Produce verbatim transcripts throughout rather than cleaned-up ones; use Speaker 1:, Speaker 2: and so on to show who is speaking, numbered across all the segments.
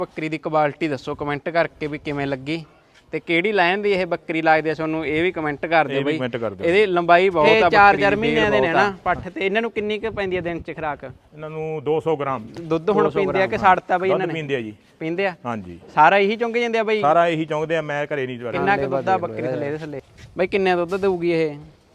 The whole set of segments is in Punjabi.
Speaker 1: ਬੱਕਰੀ ਦੀ ਕੁਆਲਿਟੀ ਦੱਸੋ ਕਮੈਂਟ ਕਰਕੇ ਵੀ ਕਿਵੇਂ ਲੱਗੀ ਤੇ ਕਿਹੜੀ ਲਾਈਨ ਦੀ ਇਹ ਬੱਕਰੀ ਲੱਗਦੀ ਹੈ ਤੁਹਾਨੂੰ ਇਹ ਵੀ ਕਮੈਂਟ ਕਰ ਦਿਓ ਬਈ। ਇਹਦੀ ਲੰਬਾਈ ਬਹੁਤ ਆ, ਚਾਰ ਚਾਰ ਮਹੀਨਿਆਂ ਦੇ ਨੇ ਨਾ ਪੱਠ ਤੇ ਇਹਨਾਂ ਨੂੰ ਕਿੰਨੀ ਕੁ ਪੈਂਦੀ ਹੈ ਦਿਨ ਚ ਖੁਰਾਕ?
Speaker 2: ਇਹਨਾਂ ਨੂੰ ਦੋ ਸੌ ਗ੍ਰਾਮ
Speaker 1: ਦੁੱਧ ਹੁਣ ਪੀਂਦੇ ਆ ਕਿ ਛੱਡਤਾ ਬਈ ਇਹਨਾਂ ਨੇ?
Speaker 2: ਪੀਂਦੇ ਆ ਜੀ।
Speaker 1: ਪੀਂਦੇ ਆ
Speaker 2: ਹਾਂਜੀ।
Speaker 1: ਸਾਰਾ ਇਹੀ ਚੁੰਗ ਜਾਂਦੇ ਆ ਬਈ?
Speaker 2: ਸਾਰਾ ਇਹੀ ਚੁੰਗਦੇ ਆ, ਮੈਂ ਘਰੇ ਨਹੀਂ ਜਵਾਰ।
Speaker 1: ਕਿੰਨਾ ਕੁ ਦੁੱਧ ਆ ਬੱਕਰੀ ਥੱਲੇ ਇਹਦੇ ਥੱਲੇ ਬਈ? ਕਿੰਨੇ ਦੁੱਧ ਦੇਊਗੀ ਇਹ?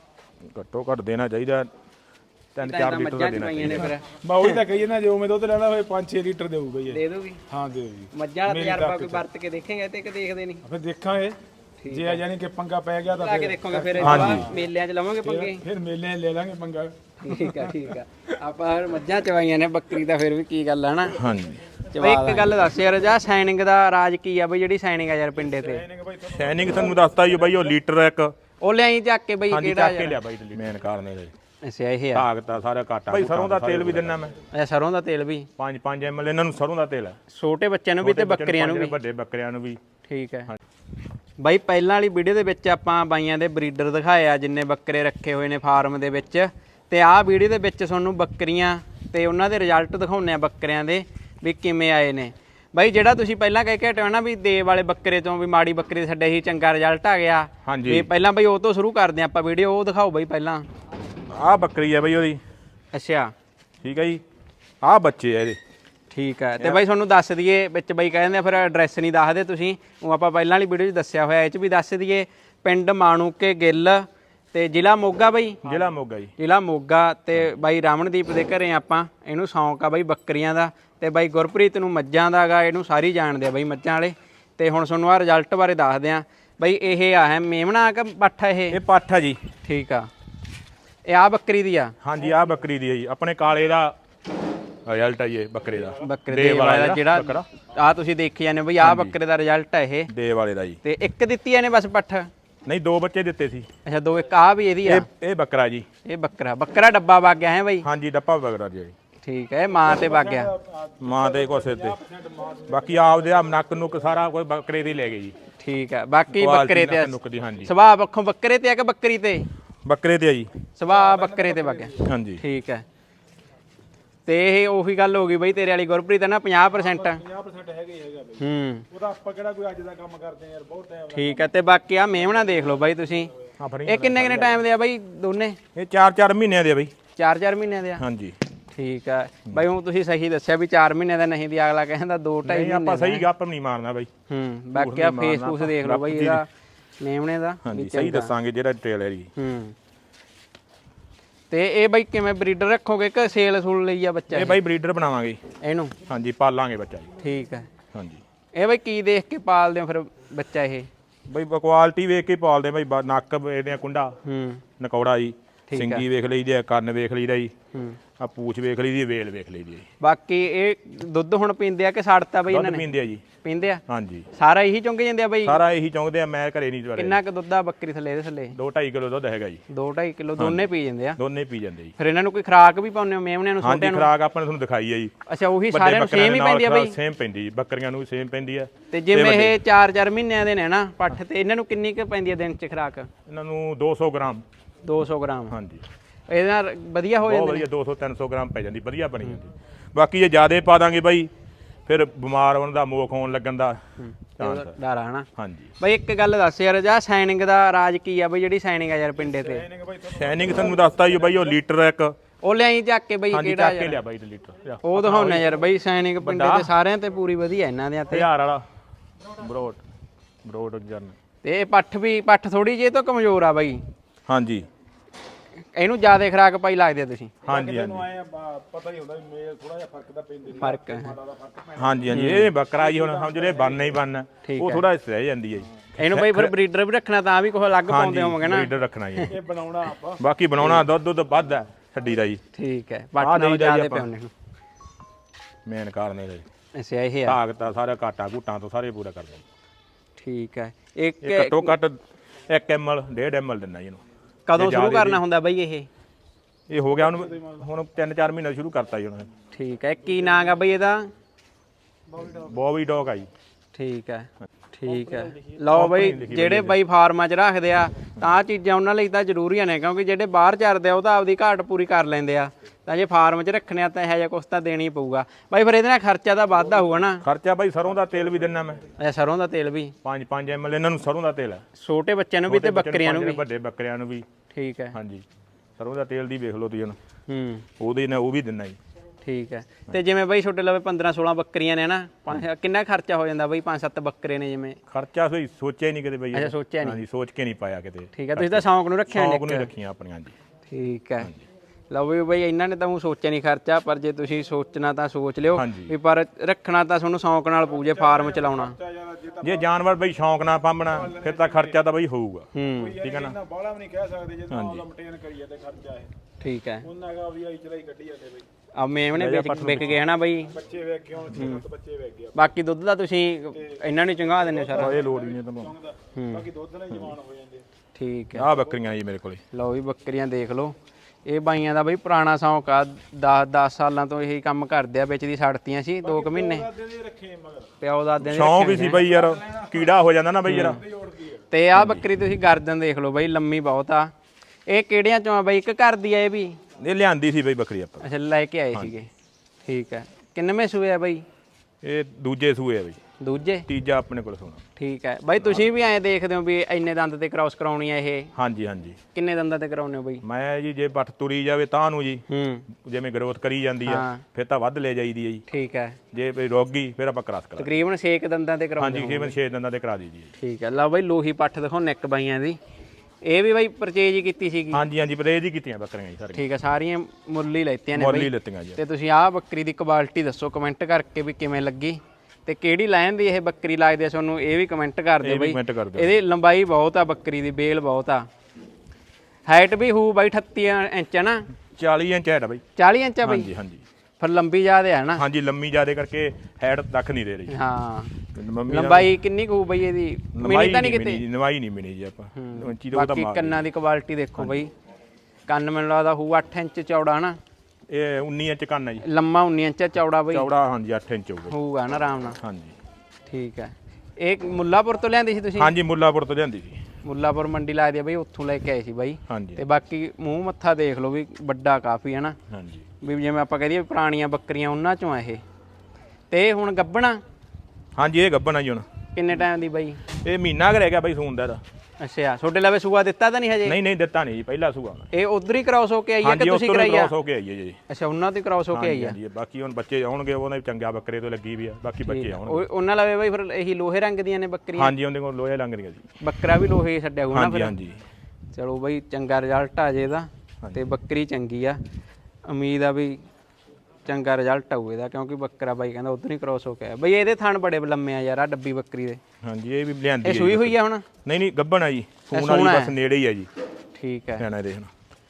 Speaker 2: ਘੱਟੋ ਘੱਟ ਦੇਣਾ ਚਾਹੀਦਾ ਤਿੰਨ ਚਾਰ ਲੀਟਰ ਦਾ ਦੇਣਾ ਚਾਹੀਦਾ।
Speaker 3: ਮੈਂ ਉਹੀ ਤਾਂ ਕਹੀ ਨਾ, ਜੋ ਮੈਂ ਦੁੱਧ ਲੈਣਾ ਹੋਏ ਪੰਜ ਛੇ ਲੀਟਰ ਦੇਊ ਬਈ।
Speaker 1: ਦੇ ਦੋਗੀ?
Speaker 3: ਹਾਂ ਦੇ ਜੀ।
Speaker 1: ਮੱਝਾਂ ਦਾ ਤਜਰਬਾ ਕੋਈ ਵਰਤ ਕੇ ਦੇਖੇਗਾ ਤੇ ਕਿ ਦੇਖਦੇ ਨਹੀਂ?
Speaker 3: ਫਿਰ ਦੇਖਾਂਗੇ ਜੇ ਯਾਨੀ ਕਿ ਪੰਗਾ ਪੈ ਗਿਆ ਤਾਂ
Speaker 1: ਲਾ ਕੇ ਦੇਖੋਗੇ ਫਿਰ ਮੇਲਿਆਂ 'ਚ ਲਵਾਂਗੇ ਪੰਗੇ?
Speaker 3: ਫਿਰ ਮੇਲੇ ਲੈ ਲਾਂਗੇ ਪੰਗਾ।
Speaker 1: ਠੀਕ ਆ ਠੀਕ ਆ। ਆਪਾਂ ਮੱਝਾਂ ਚਵਾਈਆਂ ਨੇ, ਬੱਕਰੀ ਦਾ ਫਿਰ ਵੀ ਕੀ ਗੱਲ ਹੈ ਨਾ।
Speaker 2: ਹਾਂਜੀ।
Speaker 1: ਬਈ ਇੱਕ ਗੱਲ ਦੱਸ ਯਾਰ, ਜਾ ਸਾਈਨਿੰਗ ਦਾ ਰਾਜ ਕੀ ਆ ਬਈ? ਜਿਹੜੀ ਸਾਈਨਿੰਗ ਆ ਯਾਰ ਪਿੰਡੇ ਤੇ
Speaker 2: ਸ਼ਾਈਨਿੰਗ ਤੁਹਾਨੂੰ ਦੱਸਤਾ ਜੀ ਬਾਈ, ਉਹ ਲੀਟਰ ਇੱਕ
Speaker 1: ਉਹ ਲਿਆਈ ਚੱਕ ਕੇ ਬਈ। ਕਿਹੜਾ
Speaker 2: ਚੱਕ ਕੇ ਲਿਆ ਬਾਈ ਮੇਨ ਕਾਰਨ ਇਹਦਾ।
Speaker 1: ਅੱਛਾ ਇਹ ਆ
Speaker 2: ਤਾਕਤ ਸਾਰਾ ਘਾਟਾ ਬਾਈ। ਸਰੋਂ ਦਾ ਤੇਲ ਵੀ ਦਿੰਦਾ ਮੈਂ।
Speaker 1: ਅੱਛਾ ਸਰੋਂ ਦਾ ਤੇਲ ਵੀ?
Speaker 2: ਪੰਜ ਪੰਜ ਐਮ ਐਲ ਇਹਨਾਂ ਨੂੰ ਸਰੋਂ ਦਾ ਤੇਲ ਹੈ।
Speaker 1: ਛੋਟੇ ਬੱਚਿਆਂ ਨੂੰ ਵੀ ਤੇ ਬੱਕਰੀਆਂ ਨੂੰ ਵੀ?
Speaker 2: ਵੱਡੇ ਬੱਕਰਿਆਂ ਨੂੰ ਵੀ।
Speaker 1: ਠੀਕ ਹੈ ਬਾਈ। ਪਹਿਲਾਂ ਵਾਲੀ ਵੀਡੀਓ ਦੇ ਵਿੱਚ ਆਪਾਂ ਬਾਈਆਂ ਦੇ ਬਰੀਡਰ ਦਿਖਾਏ ਆ ਜਿੰਨੇ ਬੱਕਰੇ ਰੱਖੇ ਹੋਏ ਨੇ ਫਾਰਮ ਦੇ ਵਿੱਚ, ਤੇ ਆਹ ਵੀਡੀਓ ਦੇ ਵਿੱਚ ਤੁਹਾਨੂੰ ਬੱਕਰੀਆਂ ਤੇ ਉਹਨਾਂ ਦੇ ਰਿਜ਼ਲਟ ਦਿਖਾਉਂਦੇ ਆ ਬੱਕਰਿਆਂ ਦੇ ਵੀ ਕਿਵੇਂ ਆਏ ਨੇ। ਬਾਈ ਜਿਹੜਾ ਤੁਸੀਂ ਪਹਿਲਾਂ ਕਹਿ ਕੇ ਹਟਿਓ ਨਾ ਵੀ ਦੇ ਵਾਲੇ ਬੱਕਰੇ ਤੋਂ ਵੀ ਮਾੜੀ ਬੱਕਰੀ ਦੇ ਛੱਡੇ ਹੀ ਚੰਗਾ ਰਿਜ਼ਲਟ ਆ ਗਿਆ, ਵੀ ਪਹਿਲਾਂ ਬਾਈ ਉਹ ਤੋਂ ਸ਼ੁਰੂ ਕਰਦੇ ਆਪਾਂ ਵੀਡੀਓ। ਉਹ ਦਿਖਾਓ ਬਾਈ ਪਹਿਲਾਂ।
Speaker 2: ਆਹ ਬੱਕਰੀ ਆ ਬਾਈ ਉਹਦੀ।
Speaker 1: ਅੱਛਾ
Speaker 2: ਠੀਕ ਹੈ ਜੀ। ਆਹ ਬੱਚੇ ਆ ਇਹਦੇ। ਠੀਕ
Speaker 1: ਹੈ। ਤੇ ਬਾਈ ਤੁਹਾਨੂੰ ਦੱਸ ਦਈਏ ਵਿੱਚ ਬਾਈ ਕਹਿੰਦੇ ਫਿਰ ਐਡਰੈਸ ਨਹੀਂ ਦੱਸਦੇ ਤੁਸੀਂ, ਉਹ ਆਪਾਂ ਪਹਿਲਾਂ ਵਾਲੀ ਵੀਡੀਓ 'ਚ ਦੱਸਿਆ ਹੋਇਆ, ਇਹ 'ਚ ਵੀ ਦੱਸ ਦਈਏ। ਪਿੰਡ ਮਾਣੂਕੇ ਗਿੱਲ ਤੇ ਜ਼ਿਲ੍ਹਾ ਮੋਗਾ ਬਾਈ?
Speaker 2: ਜ਼ਿਲ੍ਹਾ ਮੋਗਾ ਜੀ।
Speaker 1: ਜ਼ਿਲ੍ਹਾ ਮੋਗਾ। ਤੇ ਬਾਈ ਰਮਨਦੀਪ ਦੇ ਘਰੇ ਆਪਾਂ, ਇਹਨੂੰ ਸ਼ੌਂਕ ਆ ਬਾਈ ਬੱਕਰੀਆਂ ਦਾ, ਤੇ ਬਾਈ ਗੁਰਪ੍ਰੀਤ ਨੂੰ ਮੱਝਾਂ ਦਾ ਗਾ, ਇਹਨੂੰ ਸਾਰੀ ਜਾਣਦੇ ਆ ਬਾਈ ਮੱਝਾਂ ਵਾਲੇ। ਤੇ ਹੁਣ ਤੁਹਾਨੂੰ ਆਹ ਰਿਜ਼ਲਟ ਬਾਰੇ ਦੱਸਦੇ ਆ ਬਾਈ। ਇਹ ਆ ਹੈ ਮੇਮਣਾ ਕਿ ਪੱਠ? ਇਹ
Speaker 2: ਇਹ ਪੱਠ ਆ ਜੀ।
Speaker 1: ਠੀਕ ਆ। ਇਹ ਆ ਬੱਕਰੀ ਦੀ ਆ?
Speaker 2: ਹਾਂਜੀ ਆਹ ਬੱਕਰੀ ਦੀ ਆ ਜੀ। ਆਪਣੇ ਕਾਲੇ ਦਾ ਰਿਜ਼ਲਟ ਆ ਜੀ ਇਹ ਬੱਕਰੇ ਦਾ।
Speaker 1: ਬੱਕਰੇ ਦੇ ਵਾਲਾ ਜਿਹੜਾ ਆ ਤੁਸੀਂ ਦੇਖੀ ਜਾਂਦੇ ਬਈ, ਆਹ ਬੱਕਰੇ ਦਾ ਰਿਜ਼ਲਟ ਆ ਇਹ
Speaker 2: ਦੇ ਵਾਲੇ ਦਾ ਜੀ।
Speaker 1: ਤੇ ਇੱਕ ਦਿੱਤੀ ਇਹਨੇ ਬਸ ਪੱਠ?
Speaker 2: ਨਹੀਂ ਦੋ ਬੱਚੇ ਦਿੱਤੇ ਸੀ।
Speaker 1: ਅੱਛਾ ਦੋ। ਇੱਕ ਆ ਵੀ ਇਹਦੀ ਆ?
Speaker 2: ਇਹ ਬੱਕਰਾ ਜੀ।
Speaker 1: ਇਹ ਬੱਕਰਾ ਬੱਕਰਾ ਡੱਬਾ ਵਗ ਗਿਆ ਹੈ ਬਾਈ?
Speaker 2: ਹਾਂਜੀ ਡੱਬਾ ਬੱਕਰਾ ਜੀ।
Speaker 1: ਠੀਕ ਹੈ। ਮਾਂ ਤੇ ਵਗ ਗਿਆ?
Speaker 2: ਮਾਂ ਤੇ ਕੋ ਸਿਰ ਤੇ, ਬਾਕੀ ਆਪਦੇ ਆ ਨੱਕ ਨੁੱਕ ਸਾਰਾ ਕੋਈ ਬੱਕਰੇ ਦੇ ਲੈ ਗਏ ਜੀ।
Speaker 1: ਠੀਕ ਹੈ। ਬਾਕੀ ਬੱਕਰੇ ਤੇ
Speaker 2: ਹਾਂਜੀ।
Speaker 1: ਸੁਭਾਅ ਪੱਖੋਂ ਬੱਕਰੇ ਤੇ ਆ ਕਿ ਬੱਕਰੀ ਤੇ?
Speaker 2: ਬੱਕਰੇ ਤੇ ਆ ਜੀ।
Speaker 1: ਸੁਭਾਅ ਬੱਕਰੇ ਤੇ ਵਗ ਗਿਆ।
Speaker 2: ਹਾਂਜੀ ਠੀਕ
Speaker 1: ਹੈ। ਤੇ ਇਹ ਉਹੀ ਗੱਲ ਹੋ ਗਈ ਬਈ ਤੇਰੇ ਵਾਲੀ ਗੁਰਪ੍ਰੀਤ ਹੈ ਨਾ ਪੰਜਾਹ ਪਰਸੈਂਟ?
Speaker 3: ਪੰਜਾਹ ਪਰਸੈਂਟ ਹੈਗਾ ਹੀ ਹੈਗਾ ਬਈ।
Speaker 1: ਹੂੰ
Speaker 3: ਉਹਦਾ ਆਪਾਂ ਕਿਹੜਾ ਕੋਈ ਅੱਜ ਦਾ ਕੰਮ ਕਰਦੇ ਯਾਰ, ਬਹੁਤ ਟਾਈਮ।
Speaker 1: ਠੀਕ ਹੈ। ਤੇ ਬਾਕੀ ਆ ਮੇਮਣਾ ਦੇਖ ਲਓ ਬਾਈ ਤੁਸੀਂ। ਇਹ ਕਿੰਨੇ ਕਿੰਨੇ ਟਾਈਮ ਦੇ ਆ ਬਾਈ ਦੋਨੇ?
Speaker 2: ਇਹ ਚਾਰ ਚਾਰ ਮਹੀਨਿਆਂ ਦੇ ਆ ਬਾਈ।
Speaker 1: ਚਾਰ ਚਾਰ ਮਹੀਨਿਆਂ ਦੇ ਆ?
Speaker 2: ਹਾਂਜੀ
Speaker 1: ਠੀਕ ਹੈ ਬਾਈ। ਹੁਣ ਤੁਸੀਂ ਸਹੀ ਦੱਸਿਆ ਵੀ ਚਾਰ ਮਹੀਨਿਆਂ ਦਾ ਨਹੀਂ, ਦੀ ਅਗਲਾ ਕਹਿੰਦਾ ਦੋ ਢਾਈ ਮਹੀਨੇ।
Speaker 2: ਆਪਾਂ ਸਹੀ ਗੱਪ ਨਹੀਂ ਮਾਰਨਾ ਬਾਈ।
Speaker 1: ਹੂੰ ਬਾਕੀ ਆ ਫੇਸ ਫੂਸ ਦੇਖ ਲਓ ਬਾਈ ਇਹਦਾ ਮੇਮਣੇ ਦਾ।
Speaker 2: ਹਾਂਜੀ ਸਹੀ ਦੱਸਾਂਗੇ ਜਿਹੜਾ ਡਿਟੇਲ ਹੈ ਜੀ।
Speaker 1: ਹੂੰ ਤੇ ਇਹ ਬਾਈ ਕਿਵੇਂ ਬਰੀਡਰ ਰੱਖੋਗੇ ਕਿ ਸੇਲ ਸੂਲ ਲਈ ਆ ਬੱਚਾ?
Speaker 2: ਇਹ ਬਾਈ ਬਰੀਡਰ ਬਣਾਵਾਂਗੇ
Speaker 1: ਇਹਨੂੰ।
Speaker 2: ਹਾਂਜੀ ਪਾਲਾਂਗੇ ਬੱਚਾ ਜੀ।
Speaker 1: ਠੀਕ ਹੈ।
Speaker 2: ਹਾਂਜੀ।
Speaker 1: ਇਹ ਬਾਈ ਕੀ ਦੇਖ ਕੇ ਪਾਲਦੇ ਹੋ ਫਿਰ ਬੱਚਾ ਇਹ?
Speaker 2: ਬਾਈ ਕੁਆਲਿਟੀ ਵੇਖ ਕੇ ਪਾਲਦੇ ਬਾਈ। ਨੱਕ ਇਹਦੇ ਕੁੰਡਾ,
Speaker 1: ਹੂੰ
Speaker 2: ਨਕੌੜਾ ਜੀ, ਸਿੰਗੀ ਵੇਖ ਲਈਦੀ ਆ, ਕੰਨ ਵੇਖ ਲਈਦਾ ਜੀ,
Speaker 1: ਹੂੰ
Speaker 2: ਆ ਪੂਛ ਵੇਖ ਲਈਦੀ, ਵੇਲ ਵੇਖ ਲਈਦੀ ਆ।
Speaker 1: ਬਾਕੀ ਇਹ ਦੁੱਧ ਹੁਣ ਪੀਂਦੇ ਆ ਕਿ ਛੱਡਤਾ ਬਾਈ ਇਹਨਾਂ ਨੇ?
Speaker 2: ਪੀਂਦੇ ਆ ਜੀ।
Speaker 1: ਪੀਂਦੇ ਆ?
Speaker 2: ਹਾਂਜੀ।
Speaker 1: ਸਾਰਾ ਇਹੀ ਚੁੰਗ ਜਾਂਦੇ ਆ ਬਾਈ?
Speaker 2: ਸਾਰਾ ਇਹੀ ਚੁੰਗਦੇ ਆ, ਮੈਂ ਘਰੇ ਨਹੀਂ ਜਵਾਰ।
Speaker 1: ਕਿੰਨਾ ਕੁ ਦੁੱਧ ਆ ਬੱਕਰੀ ਥੱਲੇ ਇਹਦੇ ਥੱਲੇ?
Speaker 2: ਦੋ ਢਾਈ ਕਿਲੋ ਦੁੱਧ ਹੈਗਾ ਜੀ।
Speaker 1: ਦੋ ਢਾਈ ਕਿਲੋ ਦੋਨੇ ਪੀ ਜਾਂਦੇ ਆ?
Speaker 2: ਦੋਨੇ ਪੀ ਜਾਂਦੇ ਜੀ।
Speaker 1: ਫਿਰ ਇਹਨਾਂ ਨੂੰ ਕੋਈ ਖੁਰਾਕ ਵੀ ਪਾਉਂਦੇ ਹੋ ਮੇਮਣਿਆਂ ਨੂੰ ਛੋਟਿਆਂ ਨੂੰ?
Speaker 2: ਹਾਂਜੀ ਖੁਰਾਕ ਆਪਾਂ ਨੇ ਤੁਹਾਨੂੰ ਦਿਖਾਈ ਹੈ ਜੀ।
Speaker 1: ਅੱਛਾ ਉਹੀ ਸਾਰਿਆਂ ਨੂੰ ਸੇਮ ਹੀ ਪੈਂਦੀ ਆ ਬਾਈ?
Speaker 2: ਸੇਮ ਪੈਂਦੀ ਜੀ, ਬੱਕਰੀਆਂ ਨੂੰ ਵੀ ਸੇਮ ਪੈਂਦੀ ਆ।
Speaker 1: ਤੇ ਜਿਵੇਂ ਇਹ ਚਾਰ ਚਾਰ ਮਹੀਨਿਆਂ ਦੇ ਨੇ ਨਾ ਪੱਠ, ਤੇ ਇਹਨਾਂ ਨੂੰ ਕਿੰਨੀ ਕੁ ਪੈਂਦੀ ਆ ਦਿਨ ਚ ਖੁਰਾਕ?
Speaker 2: ਇਹਨਾਂ ਨੂੰ ਦੋ ਸੌ ਗ੍ਰਾਮ।
Speaker 1: ਦੋ ਸੌ ਗ੍ਰਾਮ?
Speaker 2: ਹਾਂਜੀ।
Speaker 1: ਇਹਦੇ ਨਾਲ ਵਧੀਆ ਹੋ ਜਾਂਦੀ?
Speaker 2: ਵਧੀਆ। ਦੋ ਸੌ ਤਿੰਨ ਸੌ ਗ੍ਰਾਮ ਪੈ ਜਾਂਦੀ, ਵਧੀਆ ਬਣੀ ਜਾਂਦੀ। ਬਾਕੀ ਜੇ ਜ਼ਿਆਦਾ ਪਾ ਦਾਂਗੇ ਬਾਈ ਫਿਰ ਬਿਮਾਰ ਹੋਣ ਦਾ, ਮੋਖ ਹੋਣ ਲੱਗਣ ਦਾ
Speaker 1: ਡਰ ਆ ਹਨਾ।
Speaker 2: ਹਾਂਜੀ
Speaker 1: ਬਾਈ ਇੱਕ ਗੱਲ ਦੱਸ ਯਾਰ, ਜਾ ਸਾਈਨਿੰਗ ਦਾ ਰਾਜ ਕੀ ਆ ਬਈ? ਜਿਹੜੀ ਸਾਈਨਿੰਗ ਆ ਯਾਰ ਪਿੰਡੇ ਤੇ?
Speaker 2: ਸਾਈਨਿੰਗ ਤੁਹਾਨੂੰ ਦੱਸਤਾ ਜੀ ਬਾਈ, ਉਹ ਲੀਟਰ ਇੱਕ।
Speaker 1: ਉਹ ਲਿਆਈ ਚੱਕ ਕੇ ਬਾਈ? ਕਿਹੜਾ
Speaker 2: ਚੱਕ ਕੇ ਲਿਆ ਬਾਈ ਲੀਟਰ।
Speaker 1: ਉਹ ਦਿਖਾਉਣਾ ਯਾਰ ਬਾਈ ਸਾਈਨਿੰਗ ਪਿੰਡੇ ਤੇ ਸਾਰਿਆਂ ਤੇ ਪੂਰੀ ਵਧੀਆ ਇਹਨਾਂ ਦੇ ਤੇ।
Speaker 2: ਹਜ਼ਾਰ ਵਾਲਾ ਬਰੋਡ ਬਰੋਡ ਜਰਨ।
Speaker 1: ਤੇ ਇਹ ਪੱਠ ਵੀ ਪੱਠ ਥੋੜੀ ਜਿਹੀ ਤੋਂ ਕਮਜ਼ੋਰ ਆ ਬਾਈ?
Speaker 2: ਹਾਂਜੀ।
Speaker 1: ਇਹਨੂੰ ਜ਼ਿਆਦਾ ਖੁਰਾਕ ਪਾਈ ਲੱਗਦੇ ਆ ਤੁਸੀਂ?
Speaker 2: ਹਾਂਜੀ ਹਾਂਜੀ
Speaker 3: ਪਤਾ ਹੀ ਹੁੰਦਾ ਵੀ ਮੇਲ ਥੋੜਾ ਜਿਹਾ ਫਰਕ ਤਾਂ ਪੈਂਦਾ।
Speaker 1: ਫਰਕ ਹੈ।
Speaker 2: ਹਾਂਜੀ ਹਾਂਜੀ। ਇਹ ਬੱਕਰਾ ਜੀ ਹੁਣ ਸਮਝ ਲੈ ਬੰਨ ਹੀ ਬੰਨ, ਉਹ ਥੋੜਾ ਰਹਿ ਜਾਂਦੀ ਹੈ ਜੀ।
Speaker 1: ਇਹਨੂੰ ਬਾਈ ਫਿਰ ਬਰੀਡਰ ਵੀ ਰੱਖਣਾ ਤਾਂ ਵੀ ਕੁਝ ਅਲੱਗ ਪਾਉਂਦੇ ਹੋਵੋਗੇ ਨਾ?
Speaker 2: ਬਰੀਡਰ ਰੱਖਣਾ ਜੀ।
Speaker 3: ਇਹ ਬਣਾਉਣਾ ਆਪਾਂ।
Speaker 2: ਬਾਕੀ ਬਣਾਉਣਾ ਦੁੱਧ ਦੁੱਧ ਵੱਧ ਹੈ ਛੱਡੀ ਦਾ ਜੀ।
Speaker 1: ਠੀਕ ਹੈ। ਪੱਠ ਨਾਲ ਜ਼ਿਆਦਾ ਪਿਆਉਂਦੇ ਨੂੰ
Speaker 2: ਮੇਨ ਕਾਰਨ ਇਹ
Speaker 1: ਅੱਛਾ ਇਹ ਆ?
Speaker 2: ਤਾਕਤ ਆ ਸਾਰਾ ਘਾਟਾ ਘੂਟਾਂ ਤੋਂ ਸਾਰੇ ਪੂਰਾ ਕਰਦੇ।
Speaker 1: ਠੀਕ ਹੈ। ਇੱਕ
Speaker 2: ਘੱਟੋ ਘੱਟ ਇੱਕ ਐਮ ਐਲ ਡੇਢ ਐਮ ਐਲ ਦਿੰਦਾ ਜੀ ਇਹਨੂੰ।
Speaker 1: ਕਦੋਂ ਸ਼ੁਰੂ ਕਰਨਾ ਹੁੰਦਾ ਬਾਈ ਇਹ?
Speaker 2: ਇਹ ਹੋ ਗਿਆ ਹੁਣ ਹੁਣ ਤਿੰਨ ਚਾਰ ਮਹੀਨੇ ਸ਼ੁਰੂ ਕਰਤਾ ਜੀ ਉਹਨਾਂ ਨੇ।
Speaker 1: ਠੀਕ ਹੈ। ਕੀ ਨਾਂ ਗਾ ਬਾਈ ਇਹਦਾ?
Speaker 2: ਬੋਬੀ ਡੌਗ ਆ ਜੀ।
Speaker 1: ਠੀਕ ਹੈ ਠੀਕ ਹੈ। ਲਓ ਬਈ ਜਿਹੜੇ ਬਾਈ ਫਾਰਮਾਂ 'ਚ ਰੱਖਦੇ ਆ ਤਾਂ ਆਹ ਚੀਜ਼ਾਂ ਉਹਨਾਂ ਲਈ ਤਾਂ ਜ਼ਰੂਰੀਆਂ ਨੇ, ਕਿਉਂਕਿ ਜਿਹੜੇ ਬਾਹਰ ਚਰਦੇ ਆ ਉਹ ਤਾਂ ਆਪਦੀ ਘਾਟ ਪੂਰੀ ਕਰ ਲੈਂਦੇ ਆ, ਤਾਂ ਜੇ ਫਾਰਮ 'ਚ ਰੱਖਣੇ ਆ ਤਾਂ ਇਹੋ ਜਿਹਾ ਕੁਛ ਤਾਂ ਦੇਣਾ ਹੀ ਪਊਗਾ ਬਾਈ। ਫਿਰ ਇਹਦੇ ਨਾਲ ਖਰਚਾ ਤਾਂ ਵੱਧਦਾ ਹੋਊਗਾ ਨਾ?
Speaker 2: ਖਰਚਾ ਬਾਈ ਸਰੋਂ ਦਾ ਤੇਲ ਵੀ ਦਿੰਨਾ ਮੈਂ।
Speaker 1: ਅੱਛਾ ਸਰੋਂ ਦਾ ਤੇਲ ਵੀ?
Speaker 2: ਪੰਜ ਪੰਜ ਐਮ ਐਲ ਇਹਨਾਂ ਨੂੰ ਸਰੋਂ ਦਾ ਤੇਲ ਹੈ,
Speaker 1: ਛੋਟੇ ਬੱਚਿਆਂ ਨੂੰ ਵੀ ਤੇ ਬੱਕਰੀਆਂ ਨੂੰ ਵੀ?
Speaker 2: ਵੱਡੇ ਬੱਕਰਿਆਂ ਨੂੰ ਵੀ।
Speaker 1: ਠੀਕ ਹੈ
Speaker 2: ਹਾਂਜੀ ਸਰੋਂ ਦਾ ਤੇਲ ਦੀ ਵੇਖ ਲਓ ਤੁਸੀਂ ਹੁਣ,
Speaker 1: ਹੂੰ
Speaker 2: ਉਹਦੇ ਨਾਲ ਉਹ ਵੀ ਦਿੰਨਾ ਜੀ।
Speaker 1: ਠੀਕ ਹੈ। ਤੇ ਜਿਵੇਂ ਬਾਈ ਛੋਟੇ ਲਵੇ ਪੰਦਰਾਂ ਸੋਲਾਂ ਬੱਕਰੀਆਂ ਨੇ ਨਾ, ਪੰਜ- ਕਿੰਨਾ ਖਰਚਾ ਹੋ ਜਾਂਦਾ ਬਾਈ? ਪੰਜ ਸੱਤ ਬੱਕਰੇ ਨੇ ਜਿਵੇਂ?
Speaker 2: ਖਰਚਾ ਕੋਈ ਸੋਚਿਆ ਹੀ ਨਹੀਂ ਕਿਤੇ ਬਈ।
Speaker 1: ਅੱਛਾ ਸੋਚਿਆ ਨਹੀਂ?
Speaker 2: ਹਾਂਜੀ ਸੋਚ ਕੇ ਨਹੀਂ ਪਾਇਆ ਕਿਤੇ।
Speaker 1: ਠੀਕ ਹੈ, ਤੁਸੀਂ ਤਾਂ ਸ਼ੌਂਕ ਨੂੰ ਰੱਖਿਆ
Speaker 2: ਸ਼ੌਂਕ ਨੂੰ ਰੱਖੀਆਂ ਆਪਣੀਆਂ ਜੀ।
Speaker 1: ਠੀਕ ਹੈ। ਲਓ ਵੀ ਬਈ ਇਹਨਾਂ ਨੇ ਤਾਂ ਉਹ ਸੋਚਿਆ ਨਹੀਂ ਖਰਚਾ, ਪਰ ਜੇ ਤੁਸੀਂ ਸੋਚਣਾ ਤਾਂ ਸੋਚ ਲਿਓ ਵੀ, ਪਰ ਰੱਖਣਾ ਤਾਂ ਤੁਹਾਨੂੰ ਸ਼ੌਂਕ ਨਾਲ ਪਊ ਜੇ ਫਾਰਮ ਚਲਾਉਣਾ।
Speaker 2: ਜੇ ਜਾਨਵਰ ਬਈ ਸ਼ੌਂਕ ਨਾਲ ਪਾਂਭਣਾ ਫਿਰ ਤਾਂ ਖਰਚਾ ਤਾਂ ਬਈ ਹੋਊਗਾ।
Speaker 1: ਹੂੰ
Speaker 3: ਠੀਕ ਹੈ ਨਾ, ਬਾਹਲਾ ਵੀ ਨਹੀਂ ਕਹਿ ਸਕਦੇ ਜੇ ਤਾਂ ਉਹਦਾ ਮੇਨਟੇਨ ਕਰੀਏ ਤੇ ਖਰਚਾ ਹੈ।
Speaker 1: ਠੀਕ ਹੈ।
Speaker 3: ਉਹਨਾਂ ਦਾ ਵੀ ਆਈ ਚਲਾਈ ਗੱਡੀ ਜਾਂਦੇ ਬਈ।
Speaker 1: ਆ ਮੇਮਣੇ ਵਿਕ ਵਿਕ ਗਏ ਹਨਾ ਬਈ?
Speaker 3: ਬੱਚੇ ਵੇਖ ਕੇ ਹੁਣ ਛੇ ਸੱਤ ਬੱਚੇ ਵੇਖ ਗਏ।
Speaker 1: ਬਾਕੀ ਦੁੱਧ ਦਾ ਤੁਸੀਂ ਇਹਨਾਂ ਨੂੰ ਚੰਗਾ ਦਿੰਦੇ ਹੋ ਸਾਰਾ?
Speaker 2: ਇਹ ਲੋੜ ਹੀ ਨਹੀਂ ਤੁਹਾਨੂੰ।
Speaker 3: ਬਾਕੀ ਦੁੱਧ ਨਾਲ ਜਵਾਨ ਹੋ ਜਾਂਦੇ।
Speaker 1: ਠੀਕ ਹੈ।
Speaker 2: ਆਹ ਬੱਕਰੀਆਂ ਜੀ ਮੇਰੇ ਕੋਲੇ।
Speaker 1: ਲਓ ਵੀ ਬੱਕਰੀਆਂ ਦੇਖ ਲਓ, ਇਹ ਬਾਈਆਂ ਦਾ ਬਈ ਪੁਰਾਣਾ ਸ਼ੌਂਕ ਆ, ਦਸ ਦਸ ਸਾਲਾਂ ਤੋਂ ਇਹੀ ਕੰਮ ਕਰਦੇ ਆ। ਵਿੱਚ ਦੀ ਛੱਡਤੀਆਂ ਸੀ ਦੋ ਕੁ ਮਹੀਨੇ, ਪਿਓ ਦਾਦੇ ਦੇ
Speaker 2: ਸ਼ੌਂਕ ਹੀ ਸੀ ਬਈ ਯਾਰ, ਕੀੜਾ ਹੋ ਜਾਂਦਾ ਨਾ ਬਈ ਯਾਰ।
Speaker 1: ਤੇ ਆਹ ਬੱਕਰੀ ਤੁਸੀਂ ਗਰਦਨ ਦੇਖ ਲਓ ਬਈ, ਲੰਮੀ ਬਹੁਤ ਆ। ਇਹ ਕਿਹੜਿਆਂ ਚੋਂ ਆ ਬਈ? ਇੱਕ ਘਰ ਦੀ ਆ ਇਹ ਵੀ?
Speaker 2: ਇਹ ਲਿਆਂਦੀ ਸੀ ਬਈ ਬੱਕਰੀ ਆਪਾਂ।
Speaker 1: ਅੱਛਾ ਲੈ ਕੇ ਆਏ ਸੀਗੇ। ਠੀਕ ਹੈ। ਕਿੰਨਵੇਂ ਸੂਏ ਆ ਬਈ?
Speaker 2: ਇਹ ਦੂਜੇ ਸੂਏ ਆ ਬਈ।
Speaker 1: ਦੂਜੇ?
Speaker 2: ਤੀਜਾ ਆਪਣੇ ਕੋਲ ਸੋਣਾ।
Speaker 1: ਠੀਕ ਹੈ ਬਾਈ, ਤੁਸੀਂ ਵੀ ਐਂ ਦੇਖਦੇ ਹੋ ਵੀ ਇੰਨੇ ਦੰਦ ਤੇ ਕ੍ਰਾਸ ਕਰਾਉਣੀ ਆ ਇਹ?
Speaker 2: ਹਾਂਜੀ ਹਾਂਜੀ।
Speaker 1: ਕਿੰਨੇ ਦੰਦਾਂ ਤੇ ਕਰਾਉਣੇ ਹੋ ਬਈ?
Speaker 2: ਮੈਂ ਜੀ ਜੇ ਪੱਠ ਤੁਰੀ ਜਾਵੇ ਤਾਂ ਨੂੰ ਜੀ,
Speaker 1: ਹੂੰ
Speaker 2: ਜਿਵੇਂ ਗਰੋਥ ਕਰੀ ਜਾਂਦੀ ਆ ਫਿਰ ਤਾਂ ਵੱਧ ਲੈ ਜਾਈਦੀ ਆ ਜੀ।
Speaker 1: ਠੀਕ ਹੈ।
Speaker 2: ਜੇ ਬਈ ਰੁਕ ਗਈ ਫਿਰ ਆਪਾਂ ਕ੍ਰਾਸ ਕਰਾ।
Speaker 1: ਤਕਰੀਬਨ ਛੇ ਕੁ ਦੰਦਾਂ ਤੇ ਕਰਾਉਂਦੇ?
Speaker 2: ਹਾਂਜੀ ਤਕਰੀਬਨ ਛੇ ਦੰਦਾਂ ਤੇ ਕਰਾ ਦਈਦੀ ਹੈ।
Speaker 1: ਠੀਕ ਹੈ। ਲਓ ਬਈ ਲੋਹੀ ਪੱਠ ਦਿਖਾਉਣੇ ਇੱਕ ਬਾਈਆਂ ਦੀ, ਇਹ ਵੀ ਬਾਈ ਪਰਚੇਜ ਹੀ ਕੀਤੀ ਸੀਗੀ?
Speaker 2: ਹਾਂਜੀ ਹਾਂਜੀ ਪਰੇਜ ਹੀ ਕੀਤੀਆਂ ਬੱਕਰੀਆਂ ਜੀ ਸਾਰੀਆਂ।
Speaker 1: ਠੀਕ ਹੈ, ਸਾਰੀਆਂ ਮੁੱਲ ਹੀ ਲੈਤੀਆਂ ਨੇ
Speaker 2: ਮੁੱਲ
Speaker 1: ਬਈ?
Speaker 2: ਹੀ ਲੈਤੀਆਂ ਜੀ।
Speaker 1: ਤੇ ਤੁਸੀਂ ਆਹ ਬੱਕਰੀ ਦੀ ਕੁਆਲਿਟੀ ਦੱਸੋ ਕਮੈਂਟ ਕਰਕੇ ਵੀ ਕਿਵੇਂ ਲੱਗੀ, ਤੇ ਕਿਹੜੀ ਲਾਈਨ ਦੀ ਇਹ ਬੱਕਰੀ ਲੱਗਦੀ ਆ ਤੁਹਾਨੂੰ, ਇਹ ਵੀ ਕਮੈਂਟ ਕਰ ਦਿਓ ਬਈ। ਇਹਦੀ ਲੰਬਾਈ ਬਹੁਤ ਆ ਬੱਕਰੀ ਦੀ, ਬੇਲ ਬਹੁਤ ਆ। ਹਾਈਟ ਵੀ ਹੋਊ ਬਾਈ ਅਠੱਤੀ ਇੰਚ ਨਾ?
Speaker 2: ਚਾਲੀ ਇੰਚ ਹੈਡ ਬਾਈ।
Speaker 1: ਚਾਲੀ ਇੰਚ ਆ ਬਾਈ?
Speaker 2: ਹਾਂਜੀ ਹਾਂਜੀ।
Speaker 1: ਫਿਰ ਲੰਬੀ ਜ਼ਿਆਦਾ ਹੈ ਨਾ?
Speaker 2: ਹਾਂਜੀ ਲੰਮੀ ਜ਼ਿਆਦਾ ਕਰਕੇ ਹੈਡ ਤੱਕ ਨਹੀਂ ਦੇ ਰਹੀ।
Speaker 1: ਹਾਂ ਲੰਬਾਈ ਕਿੰਨੀ ਕੁ ਹੋਊ ਬਈ ਇਹਦੀ? ਮਿਣੀ ਤਾਂ ਨਹੀਂ ਕਿਤੇ?
Speaker 2: ਲੰਬਾਈ ਨਹੀਂ ਮਿਣੀ ਜੀ ਆਪਾਂ।
Speaker 1: ਬਾਕੀ ਕੰਨਾਂ ਦੀ ਕੁਆਲਿਟੀ ਦੇਖੋ ਬਈ, ਕੰਨ ਮੈਨੂੰ ਲੱਗਦਾ ਹੋਊ ਅੱਠ ਇੰਚ ਚੌੜਾ ਨਾ?
Speaker 2: ਇਹ ਉੱਨੀ ਇੰਚ ਕੰਨ ਹੈ ਜੀ।
Speaker 1: ਲੰਮਾ ਉੱਨੀ ਇੰਚ ਚੌੜਾ ਬਈ?
Speaker 2: ਚੌੜਾ ਹਾਂਜੀ ਅੱਠ ਇੰਚ ਹੋਊਗਾ
Speaker 1: ਹੋਊਗਾ ਨਾ ਆਰਾਮ ਨਾਲ?
Speaker 2: ਹਾਂਜੀ
Speaker 1: ਠੀਕ ਹੈ। ਇਹ ਮੁੱਲਾਪੁਰ ਤੋਂ ਲਿਆਂਦੀ ਸੀ ਤੁਸੀਂ?
Speaker 2: ਹਾਂਜੀ ਮੁੱਲਾਪੁਰ ਤੋਂ ਲਿਆਂਦੀ ਸੀ।
Speaker 1: ਮੁੱਲਾਪੁਰ ਮੰਡੀ ਲੱਗਦੀ ਆ ਬਈ, ਉੱਥੋਂ ਲੈ ਕੇ ਆਏ ਸੀ ਬਾਈ।
Speaker 2: ਹਾਂਜੀ।
Speaker 1: ਤੇ ਬਾਕੀ ਮੂੰਹ ਮੱਥਾ ਦੇਖ ਲਓ ਵੀ ਵੱਡਾ ਕਾਫੀ ਹੈ ਨਾ?
Speaker 2: ਹਾਂਜੀ।
Speaker 1: ਵੀ ਜਿਵੇਂ ਆਪਾਂ ਕਹਦੇ ਪੁਰਾਣੀਆਂ ਬੱਕਰੀਆਂ ਉਹਨਾਂ ਚੋਂ ਆ ਇਹ। ਤੇ ਹੁਣ ਗੱਭਣਾ?
Speaker 2: ਹਾਂਜੀ ਇਹ ਗੱਭਣ ਆ ਜੀ ਹੁਣ।
Speaker 1: ਕਿੰਨੇ ਟਾਈਮ ਦੀ ਬਾਈ?
Speaker 2: ਇਹ ਮਹੀਨਾ ਕੁ ਰਹਿ ਗਿਆ ਬਾਈ ਸੂਣ ਦਾ ਇਹਦਾ।
Speaker 1: ਅੱਛਾ ਛੋਟੇ ਲਵੇ ਸੂਆ ਦਿੱਤਾ ਤਾਂ ਨਹੀਂ ਹਜੇ?
Speaker 2: ਨਹੀਂ ਨਹੀਂ ਦਿੱਤਾ ਨਹੀਂ ਜੀ, ਪਹਿਲਾ ਸੂਆ।
Speaker 1: ਇਹ ਉਧਰ ਹੀ ਕ੍ਰਾਸ ਹੋ ਕੇ ਆਈ ਹੈ ਕਿ ਤੁਸੀਂ ਕਰਾਈ ਆ?
Speaker 2: ਕ੍ਰਾਸ ਹੋ ਕੇ ਆਈ ਹੈ ਜੀ।
Speaker 1: ਅੱਛਾ ਉਹਨਾਂ ਤੋਂ ਕ੍ਰਾਸ ਹੋ ਕੇ ਆਈ ਆ?
Speaker 2: ਹਾਂਜੀ ਬਾਕੀ ਹੁਣ ਬੱਚੇ ਆਉਣਗੇ, ਉਹਨਾਂ ਚੰਗਾ ਬੱਕਰੇ ਤੋਂ ਲੱਗੀ ਵੀ ਆ, ਬਾਕੀ ਬੱਚੇ ਆਉਣਗੇ।
Speaker 1: ਉਹਨਾਂ ਲਵੇ ਬਾਈ ਫਿਰ ਇਹੀ ਲੋਹੇ ਰੰਗ ਦੀਆਂ ਨੇ ਬੱਕਰੀਆਂ?
Speaker 2: ਹਾਂਜੀ ਉਹਦੇ ਕੋਲ ਲੋਹੇ ਲੰਘ ਰਹੀਆਂ ਜੀ।
Speaker 1: ਬੱਕਰਾ ਵੀ ਲੋਹੇ ਛੱਡਿਆ ਹੋਊ ਨਾ ਫਿਰ?
Speaker 2: ਹਾਂਜੀ।
Speaker 1: ਚਲੋ ਬਾਈ ਚੰਗਾ ਰਿਜ਼ਲਟ ਆ ਜੇ ਇਹਦਾ, ਤੇ ਬੱਕਰੀ ਚੰਗੀ ਆ, ਉਮੀਦ ਆ ਵੀ ਚੰਗਾ ਰਿਜ਼ਲਟ ਆਊ ਇਹਦਾ, ਕਿਉਂਕਿ ਬੱਕਰਾ ਬਾਈ ਕਹਿੰਦਾ ਉਧਰ ਹੀ ਕ੍ਰਾਸ ਹੋ ਕੇ ਆਇਆ। ਬਈ ਇਹਦੇ ਥਣ ਬੜੇ ਲੰਮੇ ਆ ਯਾਰ, ਆ ਡੱਬੀ ਬੱਕਰੀ ਦੇ।
Speaker 2: ਹਾਂਜੀ ਇਹ ਵੀ ਲਿਆਂਦੀ
Speaker 1: ਇਹ ਸੂਈ ਹੋਈ ਆ ਹੁਣ?
Speaker 2: ਨਹੀਂ ਨਹੀਂ ਗੱਭਣ ਆ ਜੀ, ਸੂਣ ਵਾਲੀ ਬਸ ਨੇੜੇ ਹੀ ਆ ਜੀ।
Speaker 1: ਠੀਕ ਹੈ।
Speaker 2: ਲੈਣਾ ਦੇਖ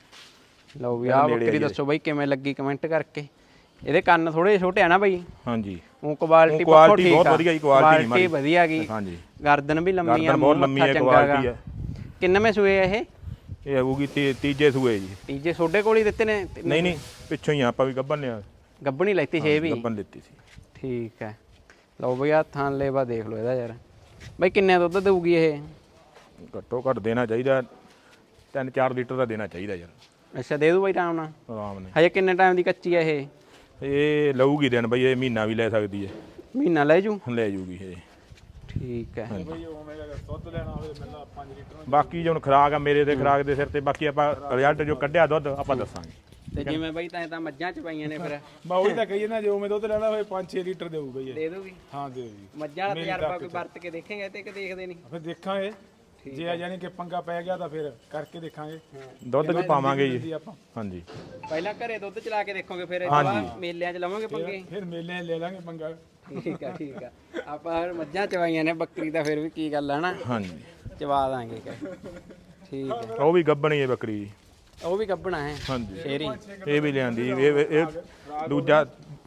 Speaker 1: ਲਓ ਵੀ ਆਹ ਬੱਕਰੀ ਦੱਸੋ ਬਾਈ ਕਿਵੇਂ ਲੱਗੀ ਕਮੈਂਟ ਕਰਕੇ। ਇਹਦੇ ਕੰਨ ਥੋੜੇ ਛੋਟੇ ਆ ਨਾ ਬਾਈ?
Speaker 2: ਹਾਂਜੀ।
Speaker 1: ਉਹ ਕੁਆਲਿਟੀ
Speaker 2: ਪੱਖੋਂ ਠੀਕ ਆ, ਬਹੁਤ ਵਧੀਆ ਜੀ ਕੁਆਲਿਟੀ
Speaker 1: ਕੁਆਲਿਟੀ ਵਧੀਆ ਗਈ।
Speaker 2: ਹਾਂਜੀ।
Speaker 1: ਗਰਦਨ ਵੀ ਲੰਮੀ ਆ,
Speaker 2: ਬਹੁਤ ਲੰਮੀ ਹੈ ਕੁਆਲਿਟੀ ਆ।
Speaker 1: ਕਿੰਨਵੇਂ ਸੂਏ ਆ ਇਹ?
Speaker 2: ਇਹ ਹੋਊਗੀ ਤੀਜੇ ਸੂਏ ਜੀ।
Speaker 1: ਤੀਜੇ ਛੋਡੇ ਕੋਲ ਹੀ ਦਿੱਤੇ ਨੇ?
Speaker 2: ਨਹੀਂ ਨਹੀਂ ਪਿੱਛੋਂ ਹੀ ਆਪਾਂ ਵੀ ਗੱਭਣ ਲਿਆ।
Speaker 1: ਗੱਭਣੀ ਲੈਤੀ ਛੇ ਵੀ?
Speaker 2: ਗੱਭਣ ਲਿੱਤੀ ਸੀ।
Speaker 1: ਠੀਕ ਹੈ। ਲਓ ਬਈ ਆ ਥਾਂ ਲੇਵਾ ਦੇਖ ਲਓ ਇਹਦਾ ਯਾਰ। ਬਾਈ ਕਿੰਨੇ ਦੁੱਧ ਦੇਊਗੀ ਇਹ?
Speaker 2: ਘੱਟੋ ਘੱਟ ਦੇਣਾ ਚਾਹੀਦਾ ਤਿੰਨ ਚਾਰ ਲੀਟਰ ਦਾ ਦੇਣਾ ਚਾਹੀਦਾ ਯਾਰ।
Speaker 1: ਅੱਛਾ ਦੇ ਦੂ ਬਾਈ ਆਰਾਮ ਨਾਲ?
Speaker 2: ਆਰਾਮ ਨਾਲ।
Speaker 1: ਹਜੇ ਕਿੰਨੇ ਟਾਈਮ ਦੀ ਕੱਚੀ ਆ ਇਹ?
Speaker 2: ਇਹ ਲਊਗੀ ਦਿਨ ਬਈ, ਇਹ ਮਹੀਨਾ ਵੀ ਲੈ ਸਕਦੀ ਹੈ।
Speaker 1: ਮਹੀਨਾ ਲੈ ਜੂ?
Speaker 2: ਲੈ ਜੂਗੀ ਇਹ।
Speaker 1: ਠੀਕ ਹੈ।
Speaker 3: ਦੁੱਧ ਲੈਣਾ ਹੋਵੇ ਮਿਲਣਾ ਪੰਜ ਲੀਟਰ।
Speaker 2: ਬਾਕੀ ਜੋ ਖੁਰਾਕ ਆ ਮੇਰੇ ਤੇ ਖੁਰਾਕ ਦੇ ਸਿਰ ਤੇ, ਬਾਕੀ ਆਪਾਂ ਰਿਜ਼ਲਟ ਜੋ ਕੱਢਿਆ ਦੁੱਧ ਆਪਾਂ ਦੱਸਾਂਗੇ।
Speaker 1: ਤੇ ਜਿਵੇਂ ਬਾਈ ਤਾਂ ਤਾਂ ਮੱਝਾਂ ਚ ਪਾਈਆਂ ਨੇ ਫਿਰ?
Speaker 3: ਮੈਂ ਉਹੀ ਤਾਂ ਕਹੀ ਨਾ, ਜੇ ਉਵੇਂ ਦੁੱਧ ਲੈਣਾ ਹੋਵੇ ਪੰਜ ਛੇ ਲੀਟਰ ਦੇਊ ਬਈ ਇਹ।
Speaker 1: ਦੇ ਦੋਗੀ?
Speaker 3: ਹਾਂ ਦੇ ਜੀ।
Speaker 1: ਮੱਝਾਂ ਦਾ ਤਜਰਬਾ ਕੋਈ ਵਰਤ ਕੇ ਦੇਖੇਗਾ ਤੇ ਕਿ ਦੇਖਦੇ ਨਹੀਂ?
Speaker 3: ਫਿਰ ਦੇਖਾਂਗੇ, ਜੇ ਆ ਜਾਨੀ ਕਿ ਪੰਗਾ ਪੈ ਗਿਆ ਤਾਂ ਫਿਰ ਕਰਕੇ ਦੇਖਾਂਗੇ।
Speaker 2: ਦੁੱਧ ਵੀ ਪਾਵਾਂਗੇ ਜੀ ਆਪਾਂ। ਹਾਂਜੀ
Speaker 1: ਪਹਿਲਾਂ ਘਰੇ ਦੁੱਧ ਚਲਾ ਕੇ ਦੇਖੋਗੇ, ਫਿਰ ਇਹ ਬਾਅਦ ਮੇਲਿਆਂ 'ਚ ਲਵਾਂਗੇ ਪੰਗੇ?
Speaker 3: ਫਿਰ ਮੇਲੇ ਲੈ ਲਾਂਗੇ ਪੰਗਾ।
Speaker 1: ਠੀਕ ਆ ਠੀਕ ਆ। ਆਪਾਂ ਮੱਝਾਂ ਚਵਾਈਆਂ ਨੇ, ਬੱਕਰੀ ਦਾ ਫਿਰ ਵੀ ਕੀ ਗੱਲ ਹੈ ਨਾ?
Speaker 2: ਹਾਂਜੀ
Speaker 1: ਚਵਾ ਦਾਂਗੇ। ਠੀਕ ਹੈ।
Speaker 2: ਉਹ ਵੀ ਗੱਭਣੀ ਹੈ ਬੱਕਰੀ ਜੀ।
Speaker 1: ਉਹ ਵੀ ਗੱਭਣਾ ਹੈ?
Speaker 2: ਹਾਂਜੀ
Speaker 1: ਸ਼ੇਰੀ।
Speaker 2: ਇਹ ਵੀ ਲਿਆਂਦੀ। ਇਹ ਇਹ ਦੂਜਾ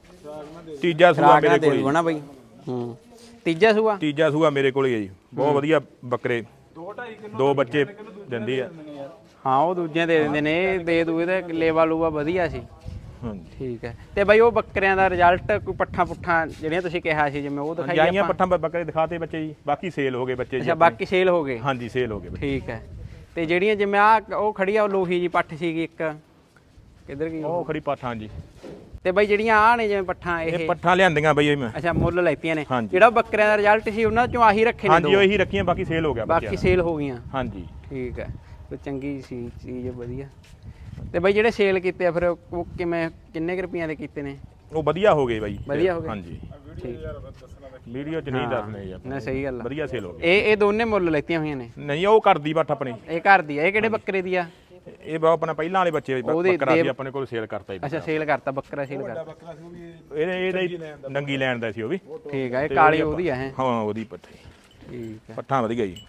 Speaker 2: ਤੀਜਾ ਸੂਆ ਮੇਰੇ ਕੋਲ
Speaker 1: ਹੀ ਨਾ ਬਈ? ਹੂੰ ਤੀਜਾ ਸੂਆ?
Speaker 2: ਤੀਜਾ ਸੂਆ ਮੇਰੇ ਕੋਲ ਹੀ ਹੈ ਜੀ। ਬਹੁਤ ਵਧੀਆ ਬੱਕਰੇ, ਦੋ ਬੱਚੇ ਦਿੰਦੀ ਆ।
Speaker 1: ਹਾਂ ਉਹ ਦੂਜਿਆਂ ਦੇ ਦਿੰਦੇ ਨੇ, ਇਹ ਦੇ ਦੂ ਇਹਦਾ ਲੇਵਾ ਲੂਵਾ ਵਧੀਆ ਸੀ।
Speaker 2: ਹਾਂਜੀ
Speaker 1: ਠੀਕ ਹੈ। ਤੇ ਬਾਈ ਉਹ ਬੱਕਰਿਆਂ ਦਾ ਰਿਜ਼ਲਟ ਕੋਈ ਪੱਠਾ ਪੁੱਠਾ ਜਿਹੜੀਆਂ ਤੁਸੀਂ ਕਿਹਾ ਸੀ ਜਿਵੇਂ ਉਹ ਦਿਖਾਈ
Speaker 2: ਜਾਈਆਂ ਪੱਠਾਂ ਬੱਕਰੇ ਦਿਖਾਤੇ ਬੱਚੇ ਜੀ, ਬਾਕੀ ਸੇਲ ਹੋ ਗਏ ਬੱਚੇ ਜੀ
Speaker 1: ਅੱਛਾ ਬਾਕੀ ਸੇਲ ਹੋ ਗਏ।
Speaker 2: ਹਾਂਜੀ ਸੇਲ ਹੋ ਗਏ ਬੱਚੇ।
Speaker 1: ਠੀਕ ਹੈ। ਤੇ ਜਿਹੜੀਆਂ ਜਿਵੇਂ ਆ ਉਹ ਖੜੀ ਆ ਉਹ ਲੋਹੀ ਜੀ ਪੱਠ ਸੀਗੀ ਇੱਕ ਕਿੱਧਰ ਗਈ
Speaker 2: ਉਹ ਖੜੀ ਪੱਠ ਹਾਂਜੀ।
Speaker 1: ਤੇ ਬਾਈ ਜਿਹੜੀਆਂ ਆ ਨੇ ਜਿਵੇਂ ਪੱਠਾਂ ਇਹ
Speaker 2: ਇਹ ਪੱਠਾਂ ਲਿਆਂਦੀਆਂ ਬਈ ਮੈਂ।
Speaker 1: ਅੱਛਾ ਮੁੱਲ ਲੈਤੀਆਂ ਨੇ।
Speaker 2: ਹਾਂਜੀ।
Speaker 1: ਜਿਹੜਾ ਬੱਕਰਿਆਂ ਦਾ ਰਿਜ਼ਲਟ ਸੀ ਉਹਨਾਂ ਚੋਂ ਆਹੀ ਰੱਖੇ ਨੇ
Speaker 2: ਹਾਂਜੀ
Speaker 1: ਦੋ।
Speaker 2: ਉਹੀ ਰੱਖੀਆਂ, ਬਾਕੀ ਸੇਲ ਹੋ ਗਿਆ
Speaker 1: ਬਾਕੀ ਸੇਲ ਹੋ ਗਈਆਂ।
Speaker 2: ਹਾਂਜੀ
Speaker 1: ਠੀਕ ਹੈ। ਕੋਈ ਚੰਗੀ ਸੀ ਚੀਜ਼ ਵਧੀਆ। ਤੇ ਬਾਈ ਜਿਹੜੇ ਸੇਲ ਕੀਤੇ ਆ ਫਿਰ ਉਹ ਕਿਵੇਂ ਕਿੰਨੇ ਕੁ ਰੁਪਈਆਂ ਦੇ ਕੀਤੇ ਨੇ?
Speaker 2: ਉਹ ਵਧੀਆ ਹੋ ਗਏ ਬਾਈ।
Speaker 1: ਵਧੀਆ ਹੋ ਗਏ।
Speaker 2: ਹਾਂਜੀ
Speaker 1: ਠੀਕ
Speaker 2: ਵੀਡੀਓ ਚ ਨਹੀਂ ਦੱਸਣੇ ਜੀ ਆਪਾਂ।
Speaker 1: ਨਾ ਸਹੀ ਗੱਲ ਆ।
Speaker 2: ਵਧੀਆ ਸੇਲ ਹੋ ਗਏ।
Speaker 1: ਇਹ ਇਹ ਦੋਨੇ ਮੁੱਲ ਲੈਤੀਆਂ ਹੋਈਆਂ ਨੇ?
Speaker 2: ਨਹੀਂ ਉਹ ਕਰਦੀ ਬੱਠ ਆਪਣੀ।
Speaker 1: ਇਹ ਘਰ ਦੀ ਆ। ਇਹ ਕਿਹੜੇ ਬੱਕਰੇ ਦੀ ਆ?
Speaker 2: ਇਹ ਬਾ ਆਪਣਾ ਪਹਿਲਾਂ ਵਾਲੇ ਬੱਚੇ ਬੱਕਰਾ ਸੀ ਆਪਣੇ ਕੋਲ ਸੇਲ ਕਰਤਾ ਜੀ।
Speaker 1: ਅੱਛਾ ਸੇਲ ਕਰਤਾ ਬੱਕਰਾ ਸੇਲ ਕਰਤਾ।
Speaker 3: ਬੱਕਰਾ ਸੀ ਉਹ ਵੀ
Speaker 2: ਇਹਦੇ ਇਹਦੇ ਨੰਗੀ ਲੈਣ ਦਾ ਸੀ ਉਹ ਵੀ।
Speaker 1: ਠੀਕ ਹੈ। ਇਹ ਕਾਲੀ ਉਹਦੀ ਆ ਹੈ?
Speaker 2: ਹਾਂ ਉਹਦੀ ਪੱਠੀ।
Speaker 1: ਠੀਕ ਹੈ।
Speaker 2: ਪੱਠਾਂ ਵਧੀਆ ਜੀ।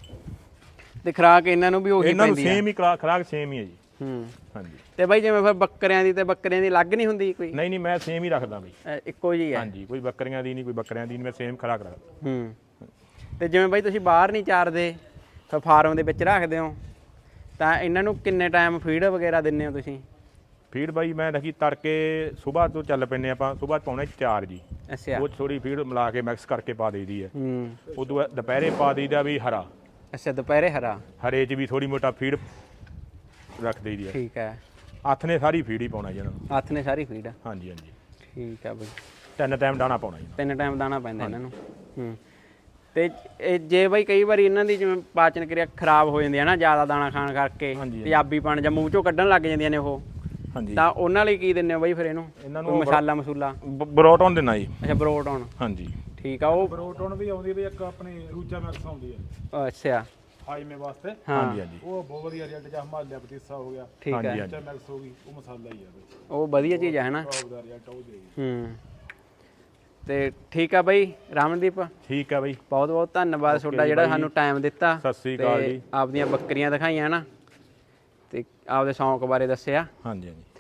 Speaker 1: ਤੇ ਖਰਾਕ ਇਹਨਾਂ ਨੂੰ ਵੀ ਉਹੀ
Speaker 2: ਇਹਨਾਂ ਨੂੰ
Speaker 1: ਪੈਂਦੀ ਆ?
Speaker 2: ਸੇਮ ਹੀ ਖੁਰਾ- ਖੁਰਾਕ ਸੇਮ ਹੀ ਹੈ ਜੀ।
Speaker 1: ਹੂੰ
Speaker 2: ਹਾਂਜੀ।
Speaker 1: ਤੇ ਬਾਈ ਜਿਵੇਂ ਫਿਰ ਬੱਕਰਿਆਂ ਦੀ ਤੇ ਬੱਕਰਿਆਂ ਦੀ ਅਲੱਗ ਨਹੀਂ ਹੁੰਦੀ ਕੋਈ?
Speaker 2: ਨਹੀਂ ਨਹੀਂ ਮੈਂ ਸੇਮ ਹੀ ਰੱਖਦਾ ਬਈ।
Speaker 1: ਅ, ਇੱਕੋ ਜੀ ਹੈ?
Speaker 2: ਹਾਂਜੀ ਕੋਈ ਬੱਕਰੀਆਂ ਦੀ ਨਹੀਂ ਕੋਈ ਬੱਕਰਿਆਂ ਦੀ ਨਹੀਂ, ਮੈਂ ਸੇਮ ਖੁਰਾਕ ਰੱਖਦਾ।
Speaker 1: ਹੂੰ। ਤੇ ਜਿਵੇਂ ਬਾਈ ਤੁਸੀਂ ਬਾਹਰ ਨਹੀਂ ਚਾਰਦੇ ਫਿਰ ਫਾਰਮ ਦੇ ਵਿੱਚ ਰੱਖਦੇ ਹੋ ਤਾਂ ਇਹਨਾਂ ਨੂੰ ਕਿੰਨੇ ਟਾਈਮ ਫੀਡ ਵਗੈਰਾ ਦਿੰਦੇ ਹੋ ਤੁਸੀਂ?
Speaker 2: ਫੀਡ ਬਾਈ ਮੈਂ ਰੱਖੀ ਤੜਕੇ ਸਵੇਰ ਤੋਂ ਚੱਲ ਪੈਂਦੇ ਆਪਾਂ, ਸਵੇਰ ਪਾਉਣੇ ਚਾਰ ਜੀ।
Speaker 1: ਅੱਛਾ।
Speaker 2: ਉਹ ਥੋੜੀ ਫੀਡ ਮਿਲਾ ਕੇ ਮਿਕਸ ਕਰਕੇ ਪਾ ਦੇਈਦੀ ਹੈ।
Speaker 1: ਹੂੰ।
Speaker 2: ਉਦੋਂ ਬਾਅਦ ਦੁਪਹਿਰੇ ਪਾ ਦੇਈਦਾ ਵੀ ਹਰਾ।
Speaker 1: ਅੱਛਾ ਦੁਪਹਿਰੇ ਹਰਾ।
Speaker 2: ਹਰੇ 'ਚ ਵੀ ਥੋੜੀ ਮੋਟਾ ਫੀਡ ਰੱਖ ਦੇਈਦੀ ਹੈ।
Speaker 1: ਠੀਕ ਹੈ।
Speaker 2: ਹੱਥ ਨੇ ਸਾਰੀ ਫੀਡ ਹੀ ਪਾਉਣਾ ਜੀ ਇਹਨਾਂ ਨੂੰ।
Speaker 1: ਹੱਥ ਨੇ ਸਾਰੀ ਫੀਡ?
Speaker 2: ਹਾਂਜੀ ਹਾਂਜੀ।
Speaker 1: ਠੀਕ ਹੈ ਬਾਈ।
Speaker 2: ਤਿੰਨ ਟਾਈਮ ਦਾਣਾ ਪਾਉਣਾ ਜੀ।
Speaker 1: ਤਿੰਨ ਟਾਈਮ ਦਾਣਾ ਪੈਂਦਾ ਇਹਨਾਂ ਨੂੰ? ਹੂੰ। ਤੇ ਇਹ ਜੇ ਬਾਈ ਕਈ ਵਾਰੀ ਇਹਨਾਂ ਦੀ ਜਿਵੇਂ ਪਾਚਨ ਕਿਰਿਆ ਖਰਾਬ ਹੋ ਜਾਂਦੀ ਹੈ ਨਾ ਜ਼ਿਆਦਾ ਦਾਣਾ ਖਾਣ ਕਰਕੇ, ਤੇਜ਼ਾਬੀਪਣ ਜਾਂ ਮੂੰਹ ਚੋਂ ਕੱਢਣ ਲੱਗ ਜਾਂਦੀਆਂ ਨੇ ਉਹ,
Speaker 2: ਹਾਂਜੀ
Speaker 1: ਤਾਂ ਉਹਨਾਂ ਲਈ ਕੀ ਦਿੰਦੇ ਹੋ ਬਾਈ ਫਿਰ ਇਹਨੂੰ?
Speaker 2: ਇਹਨਾਂ
Speaker 1: ਕੋਈ
Speaker 2: ਨੂੰ
Speaker 1: ਮਸਾਲਾ ਮਸੂਲਾ?
Speaker 2: ਬਰੋਟਨ ਦੇਣਾ ਜੀ।
Speaker 1: ਅੱਛਾ ਬਰੋਟਨ।
Speaker 2: ਹਾਂਜੀ
Speaker 1: ਠੀਕ ਆ। ਉਹ
Speaker 3: ਬਰੋਟਨ ਵੀ ਆਉਂਦੀ ਵੀ ਇੱਕ ਆਪਣੀ ਰੂਚਾ ਮੈਕਸ ਆਉਂਦੀ ਹੈ
Speaker 1: ਅੱਛਾ
Speaker 3: ਹਾਈਮੇ ਵਾਸਤੇ।
Speaker 2: ਹਾਂਜੀ ਹਾਂਜੀ।
Speaker 3: ਉਹ ਬਹੁਤ ਵਧੀਆ ਰਿਜ਼ਲਟ ਜਾਂ ਹਿਮਾਲਿਆ ਪਤੀਸਾ ਹੋ ਗਿਆ।
Speaker 1: ਠੀਕ ਹੈ।
Speaker 2: ਹਾਂਜੀ
Speaker 3: ਰੂਚਾ ਮੈਕਸ ਹੋ ਗਈ, ਉਹ ਮਸਾਲਾ ਹੀ ਆ ਬਈ।
Speaker 1: ਉਹ ਵਧੀਆ ਚੀਜ਼ ਹੈ ਨਾ?
Speaker 3: ਟੌਪ ਦਾ ਰਿਜ਼ਲਟ ਉਹ ਦੇਗੀ।
Speaker 1: ਹੂੰ। ਤੇ ਠੀਕ ਆ ਬਾਈ ਰਾਮਨਦੀਪ,
Speaker 2: ਠੀਕ ਆ ਬਾਈ।
Speaker 1: ਬਹੁਤ ਬਹੁਤ ਧੰਨਵਾਦ ਤੁਹਾਡਾ ਜਿਹੜਾ ਸਾਨੂੰ ਟਾਈਮ ਦਿੱਤਾ।
Speaker 2: ਸਤਿ ਸ੍ਰੀ ਅਕਾਲ ਜੀ।
Speaker 1: ਆਪਦੀਆਂ ਬੱਕਰੀਆਂ ਦਿਖਾਈਆਂ ਨਾ ਤੇ ਆਪਦੇ ਸ਼ੌਂਕ ਬਾਰੇ ਦੱਸਿਆ।
Speaker 2: ਹਾਂਜੀ ਹਾਂਜੀ।